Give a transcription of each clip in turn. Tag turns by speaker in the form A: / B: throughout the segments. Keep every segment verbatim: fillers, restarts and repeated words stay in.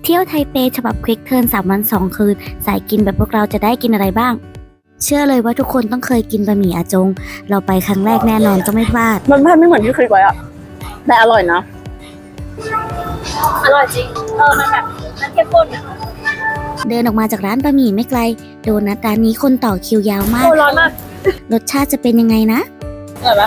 A: เที่ยวไทเปฉบับควิกเทิร์นสามวันสองคืนสายกินแบบพวกเราจะได้กินอะไรบ้าง เชื่อเลยว่าทุกคนต้องเคยกินบะหมี่อาจงเราไปครั้งแรกแน่นอนต้องไม่พลาด
B: มันไม่เหมือนที่คิดไว้อะแต่อร่อยนะ
C: อร่อยจริงเออมันแบบมันเข้มข้นอะ
A: เดินออกมาจากร้านบะหมี่ไม่ไกลโดนัทร้านนี้คนต่อคิวยาวมาก
C: โอ้ร้อนมาก
A: รสชาติจะเป็นยังไงนะ
C: อร่อยปะ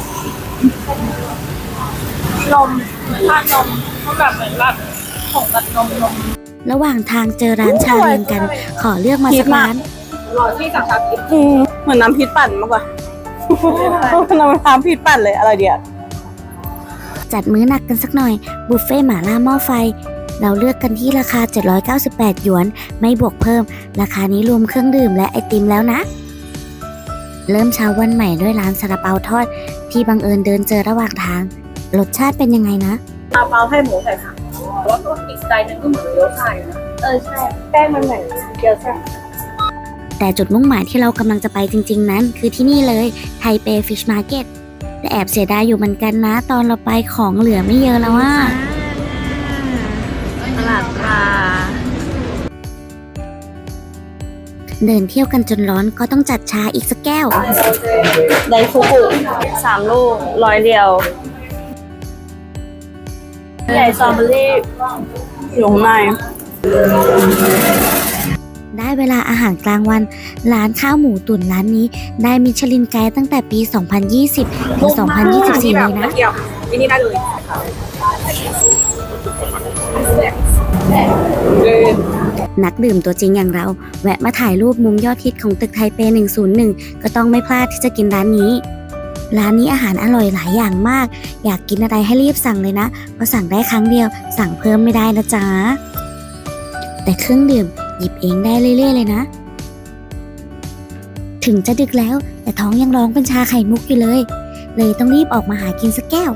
C: นมทานนมมันแบบเหมือนแบบของแบบนมนม
A: ระหว่างทางเจอร้านชาเรียงกัน ขอเลือกมาสักร้าน
C: รอที่สั่งชาพิษ
B: อืมเหมือนน้ำพริกปั่นมากกว่าน้ำพริกปั่นเลยอะไรเดียว
A: จัดมื้อหนักกันสักหน่อยบุฟเฟ่หม่าล่าหม้อไฟเราเลือกกันที่ราคาเจ็ดร้อยเก้าสิบแปดหยวนไม่บวกเพิ่มราคานี้รวมเครื่องดื่มและไอติมแล้วนะเริ่มเช้าวันใหม่ด้วยร้านซาลาเปาทอดที่บังเอิญเดินเจอระหว่างทางรสชาติเป็นยังไงนะ
C: ซาลาเปาให้หมูใส่ค่ะแล้วก็อีกสไตล์นึงก็เหมือนเกี๊ยวซ่าอยู่นะเออใช่แป้งมันเหมือนเกี๊ยวซ่า
A: แต่จุดมุ่งหมายที่เรากำลังจะไปจริงๆนั้นคือที่นี่เลยไทเปฟิชมาร์เก็ตแต่แอบเสียดายอยู่เหมือนกันนะตอนเราไปของเหลือไม่เยอะแล้วว่า
C: ตลาดปลา
A: เดินเที่ยวกันจนร้อนก็ต้องจัดชาอีกสักแก้ว
B: ไดฟูกุสามลูกร้อยเดียว
C: ใหญ่สตรอเบอรี่
B: อยู่ข้างใน
A: ได้เวลาอาหารกลางวันร้านข้าวหมูตุ๋นร้านนี้ได้มิชลินไกด์ตั้งแต่ปี สองพันยี่สิบ ถึง สองพันยี่สิบสี่ เลยนะ
C: ที่นี่ได้เลย
A: นักดื่มตัวจริงอย่างเราแวะมาถ่ายรูปมุมยอดฮิตของตึกไทเปหนึ่งศูนย์หนึ่งก็ต้องไม่พลาดที่จะกินร้านนี้ร้านนี้อาหารอร่อยหลายอย่างมากอยากกินอะไรให้รีบสั่งเลยนะเพราะสั่งได้ครั้งเดียวสั่งเพิ่มไม่ได้นะจ๊ะแต่เครื่องดื่มหยิบเองได้เรื่อยๆเลยนะถึงจะดึกแล้วแต่ท้องยังร้องเป็นชาไข่มุกอยู่เลยเลยต้องรีบออกมาหากินสักแก้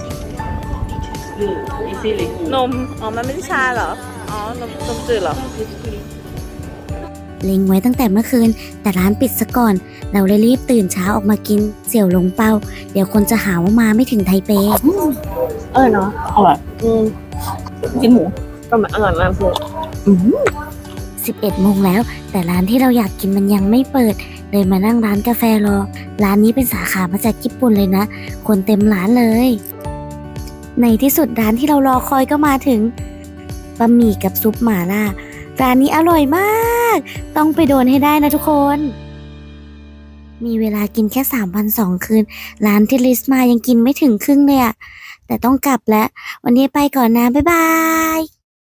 A: วน
B: มอ๋อมันไม่ใช่ชาเหรออ๋อนมนมจืดเหรอ
A: เล็งไว้ตั้งแต่เมื่อคืนแต่ร้านปิดซะก่อนเราเลยรีบตื่นเช้าออกมากินเสี่ยวหลงเปาเดี๋ยวคนจะหาว่ามาไม่ถึงไทเป
B: เออเนาะอร่อยอืมกินหมูก็อร่อยมากเลย
A: สิบเอ็ดโมงแล้วแต่ร้านที่เราอยากกินมันยังไม่เปิดเลยมานั่งร้านกาแฟรอร้านนี้เป็นสาขามาจากญี่ปุ่นเลยนะคนเต็มร้านเลยในที่สุดร้านที่เรารอคอยก็มาถึงบะหมี่กับซุปหม่าล่าร้านนี้อร่อยมากต้องไปโดนให้ได้นะทุกคนมีเวลากินแค่สามวันสองคืนร้านที่ลิสต์มายังกินไม่ถึงครึ่งเลยอะแต่ต้องกลับแล้ววันนี้ไปก่อนนะบ๊ายบาย